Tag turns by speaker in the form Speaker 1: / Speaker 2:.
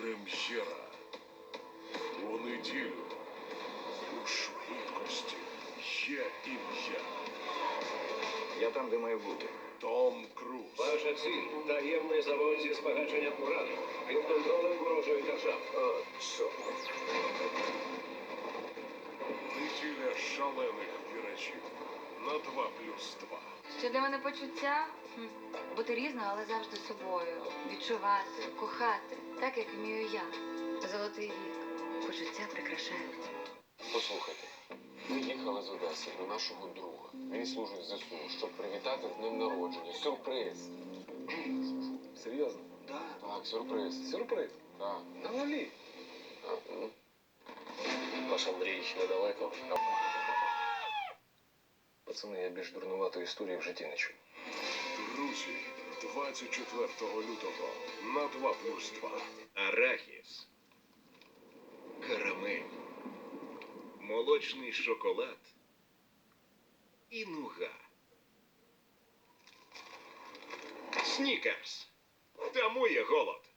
Speaker 1: Прем'єра. У неділю. У швидкості є ім'я.
Speaker 2: Я там, де маю бути.
Speaker 1: Том Круз.
Speaker 3: Ваша ціль – таємний завод зі збагаченням урану. Під контролем ворожої держави.
Speaker 2: Що?
Speaker 1: Неділя шалених вірачів. На 2+2.
Speaker 4: Що для мене почуття? Бути різною, але завжди собою. Відчувати, кохати, так, як вмію я. Золотий вік. Почуття прикрашають.
Speaker 5: Послухайте, ми їхали з Одеси до нашого друга. Він служить в ЗСУ, щоб привітати з днем народження. Сюрприз.
Speaker 2: Серйозно?
Speaker 5: Так, сюрприз.
Speaker 2: Сюрприз?
Speaker 5: Так.
Speaker 2: На нулі.
Speaker 5: Так, ну.
Speaker 3: Ваш Андрій недалеко.
Speaker 2: Пацани, я більш дурнуватої історії в житті не чув.
Speaker 1: Друзі, 24 лютого на 2+2.
Speaker 6: Арахіс, карамель, молочний шоколад і нуга. Снікерс. Тамує голод.